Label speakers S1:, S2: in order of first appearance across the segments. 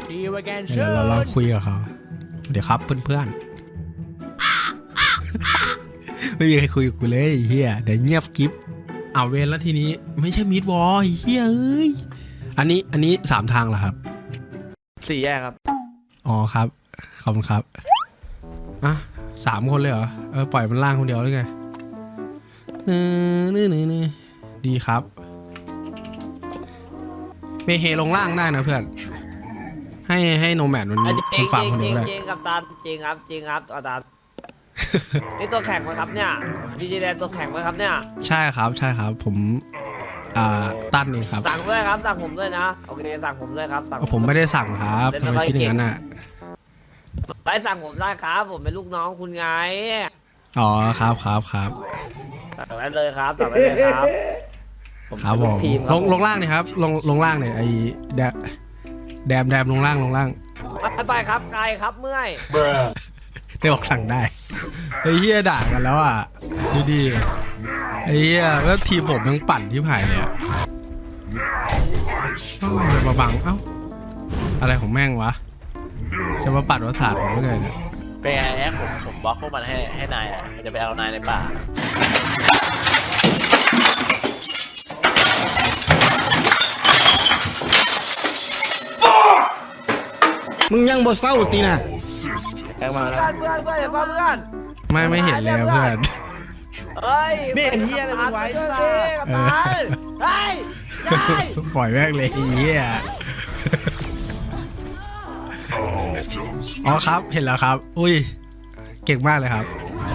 S1: เดี๋ยวเราคุยกับเขาเดี๋ยวครับเพื่อนๆไม่มีใครคุยกับกูเลยเฮียเดี๋ยวเงียบกิ๊บเอาเวรแล้วทีนี้ไม่ใช่มิดวอลเฮียเอ้ยอันนี้3 ทางเหรอครับ
S2: 4 แยกครับ
S1: อ๋อครับขอบคุณครับอ่ะ3 คนเลยเหรอปล่อยมันล่างคนเดียวได้ไงนี่ดีครับเมเฮลงล่างได้นะเพื่อนให้โนแมนมันฟังคนเดียวเลย
S2: จริงกับตาจริงครับอาจารย์นี่ตัวแข่งไหมครับเนี่ยดีเจแดนตัวแข่งไหมครับเนี่ย
S1: ใช่ครับผมตั้นเองครับ
S2: สั่งด้วยครับสั่งผมด้วยนะโอเคสั่งผมด้วยครับ
S1: ผมไม่ได้สั่งครับทำไมคิดอย่างนั้นน่ะ
S2: ไปสั่งผมได้ครับผมเป็นลูกน้องคุณไง
S1: อ๋อครับ
S2: สั่งได้เลยครับสั่งได้เลยครับ
S1: ครับผมลงล่างนี่ครับลงล่างเนี่ยไอ้แดมลงล่าง
S2: ไปครับไกลครับเมื่อย
S1: ได้บอกสั่งได้ไอ้เหี้ยด่ากันแล้วอ่ะดีไอ้เหี้ยแล้วทีมผมยังปั่นที่ผ่านเลยอ่ะมาบังเอ้าอะไรของแม่งวะจะมาปัดวัฏฏะผมไม่เลยเนี่ย
S3: เป็นไงแอ๊กผมบล็อกพวกมันให้นายอ่ะจะไปเอานายในป่า
S1: มึงยังบ่เศร้าตีน่ะ
S2: แกมาแล้วเพื่อน
S1: ไม่เห็นแล้วเพื่อน
S2: เฮ้ยไม่เห็นเฮียอะไรไว้ซ่าเฮ้ย
S1: ปล่อยแม่งเลยเฮียอ๋อครับเห็นแล้วครับอุ้ยเก่งมากเลยครับ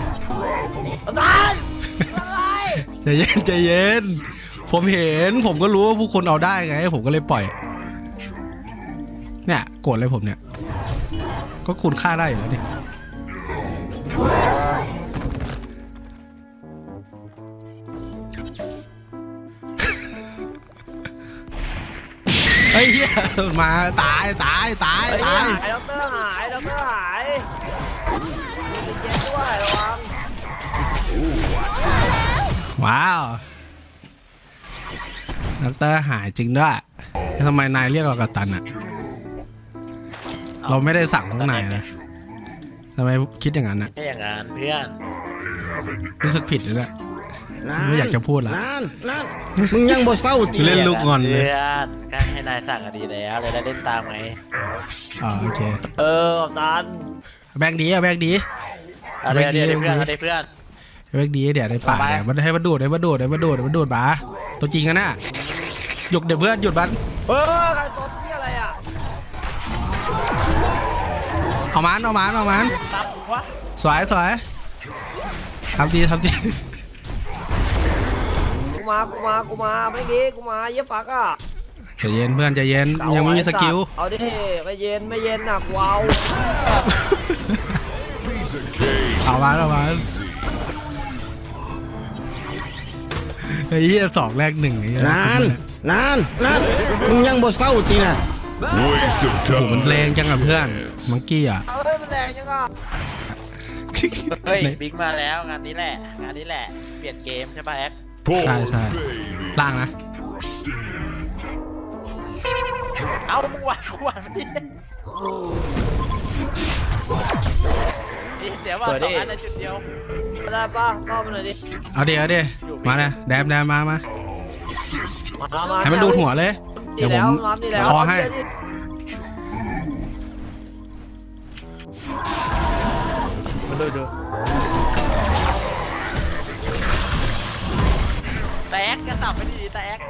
S1: ใจเย็นผมเห็นผมก็รู้ว่าผู้คนเอาได้ไงผมก็เลยปล่อยเนี่ยโกรธเลยผมเนี่ยก็คุณฆ่าได้อยู่แล้วนี่ไอ้เหี้ยมาตาย
S2: ไอ้ด็อกเตอร์หายเจ็บด้วยระวัง
S1: ว้าวด็อกเตอร์หายจริงด้วยทำไมนายเรียกเรากัปตันอะเราไม่ได้สั่งทั้งนายนะทำไมคิดอย่างนั้นนะ
S3: แค่อย่างนั้นเพื่อน
S1: รู้สึกผิดเลยนะไม่อยากจะพูดละ
S4: มึงยังบ่เศร้าตี
S1: เล่นลูกงอนเลย
S3: เพื่อนก็ให้นายสั่งก็ดีแล้วเลยได้เล่นตามไหม
S1: โอเค
S2: ตัน
S1: แบงดีเพื่อน
S3: เ
S1: ดี๋ยวในป่าเนี่ยมันให้มันดูดบ้าตัวจริงกันนะหยุดเดี๋ยวเพื่อนหยุดบ้าน
S2: ใครตัวพี่อะไรอ่ะ
S1: เอามันสวยทำดี
S2: กูมาไม่ดีกูมาเย็บปากอ่ะ
S1: ใจเย็นเพื่อนใจเย็นยังไม่มีสกิล
S2: เอาดิไม่เย็นหนักว้าว
S1: เอามาไอ้เหี้ย2 แรก 1ไอ้
S4: นานมึงยังบ่เศร้าตีน่ะ
S1: โอ้โหมันแรงจังอ่ะเพื่อนมังกี้อ่ะ
S2: มันแรงจังอ่ะ
S3: เฮ้ยบิ๊กมาแล้วงานนี้แหละเปลี่ยนเกมใช่ป่ะแอ๊ก
S1: ใช่ล่างนะ
S3: เอามึงหวานมันดิเดี๋ยวว่า2 อันในจุดเดียว
S2: ได้ป่ะเข้ามาหน่อยดิ
S1: เอาดิมาเลยแดมมาให้มันดูหัวเลยเดี๋ยวผมคอให้
S3: มาดูแตกกระสับไปดีแตก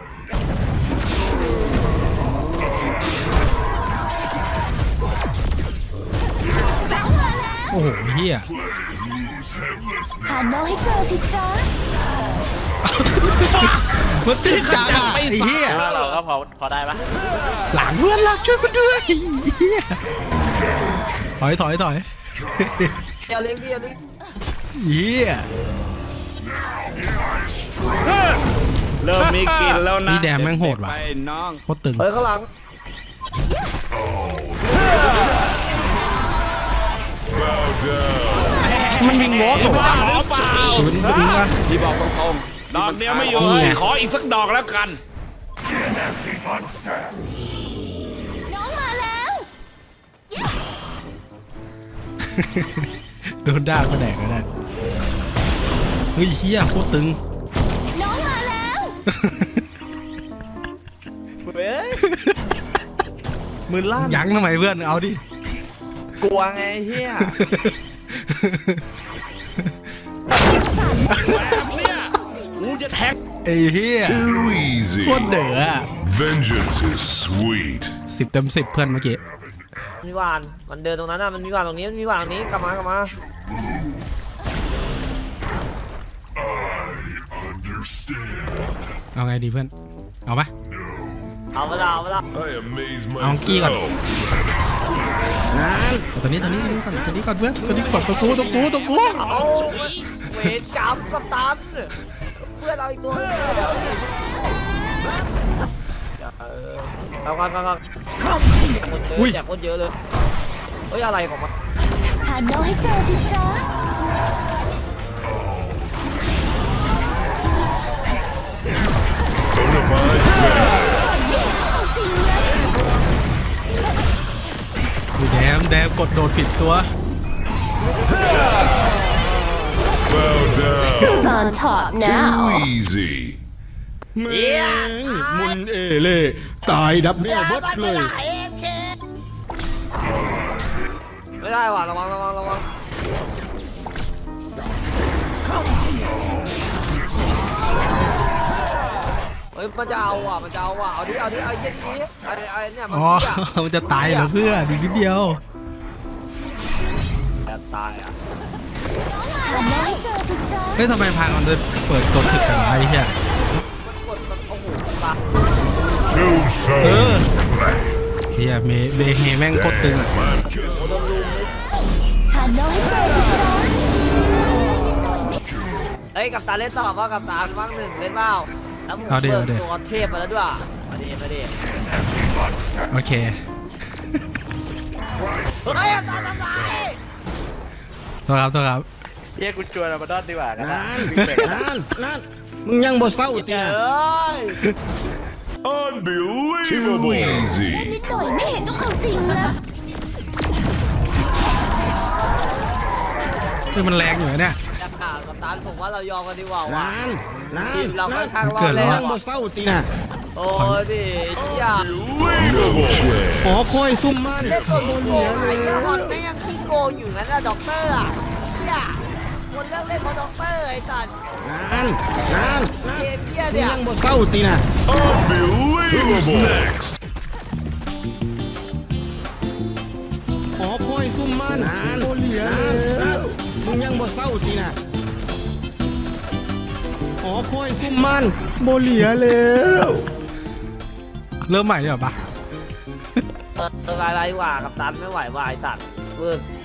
S1: โอ้โหเฮีย
S5: หาน้องให้เจอสิจ๊ะ
S1: มันตื่นจังอ่ะไอ้เฮีย
S3: เราก็พอได้ปะ
S1: หลังเพื่อนรักช่วยกันด้วยเฮียถอย
S2: อย่าเลี้ยง
S1: เฮีย
S4: เริ่มมีกินแล้วนะ
S1: นี่แดมแม่งโหดว่ะโคตรตึง
S2: ข้างหลัง
S1: มันวิ่งวอล์กเหรอวะ
S4: ที่บอกตรงๆดอกเดียวไม่อยู่เลยขออีกสักดอกแล้วกัน
S5: น้องมาแล้ว
S1: โดนด่าก็แดกก็ได้เฮ้ยเฮียโคตรตึง
S5: น้องมาแล้ว
S2: เฮ้ยมือลั่น
S1: ยั้งทำไมเพื่อนเอาดิ
S2: กลัวไงเฮีย
S4: กูจะแทง
S1: ไอ้เฮีย
S6: Too easy.
S1: โคตรเด๋ออะ
S6: Vengeance is sweet.
S1: 10 เต็ม 10เพื่อนเมื่อกี้
S2: มีหวานมันเดินตรงนั้นน่ะมันมีหวานตรงนี้มันมีหวานตรงนี้กลับมากลับมา
S1: เอาไงดีเพื่อนเอาปะ
S2: เอาไปละเอาไปละ
S6: I amaze
S1: Ang kikat.
S6: myself.
S1: เอาตัวนี้ก่อนตัวนี้ก่อนเพื่อนตัวนี้ก่อนตัวกู
S2: เอาเวรกรรมกับตันเพื่อนเราอีกตัวนึงเดี๋ยวดิเอากันคนเยอะแจกคนเยอะเลยเฮ้ยอะไรของมัน
S5: หาน้องให้เจอสิจ๊ะ
S6: Bonafide threat.
S5: จริงเลย
S1: ดูแดมกดโดดผิดตัว
S6: Bow down.
S5: Who's on top
S6: Too easy.
S1: แม่งมุนเอเล่ตายดับแน่เบิดเลย
S2: ไม่ได้ว่ะระวังเฮ้ยมันจะเอาว่ะเอาดิเอาเยี่ยนี้ไอ้เนี่ยมัน
S1: อ๋อ มันจะตายเหรอเพื่อนอีกนิดเดียว
S2: จะตายอ่ะ
S5: หาน้องให้เจอสิจ๊ะ
S1: เฮ้ยทำไมพามันจะเปิดตัวถึกกันวะไอ้เหี้ย
S2: มันกดมันโอ้โหปะ
S6: Too
S1: เอ
S6: soon.
S1: อเฮียเบเฮแม่งโคตรตึงอ่ะ
S5: หาน้องให้เจอสิจ๊ะ
S2: เฮ้ยกับตาเล่นต่อว่ากับตาว่างหนึ่งเล่นเปล่าแล้วผมเปิดตัวเทพมาแล้วด้วยมาดิ
S1: โอเค
S2: เฮ้ยตาทำไม
S1: ตัวครับ
S3: เฮียกูชวนอามาดอนดีกว่ากันนะ
S1: มึงยังบ่เศร้าตี
S2: เอ้ย
S6: Too Unbelievable. easy.
S5: นิดหน่อยไม่เห็นต้องเอาจริงแล้ว
S1: คือมันแรงอยู่เนี่ย
S2: จะข่าวกับตาผมว่าเรายอมกันดีกว่าว่ะทีมเราค่อนข้างรอดแล้ว
S1: บ่เศร้าตีน่ะ
S2: โอ้ดิอย่า
S6: No chance.
S1: ขอคอยซุ่มมัน
S2: เล่นตัวโกงไอ้ยอนแม่งขี้โกงอยู่งั้นนะด็อกเตอร์อ่ะอย่าคนเลิกเล่นเพราะด็อกเตอร์ไอ้สัตว์เกมเบี้ยเนี่ย
S1: บ่เศร้าตีน่ะ
S6: Unbelievable. Who's next?
S1: ขอคอยซุ่มมันโอเหลียมึงยังบ่เศร้าตีน่ะขอคอยซุ่มมันโบเหลียแล้วเริ่มใหม่เลยเหรอปะ
S2: อะไรวะกับตันไม่ไหวว่ะไอ้สัตว์เวิร์ก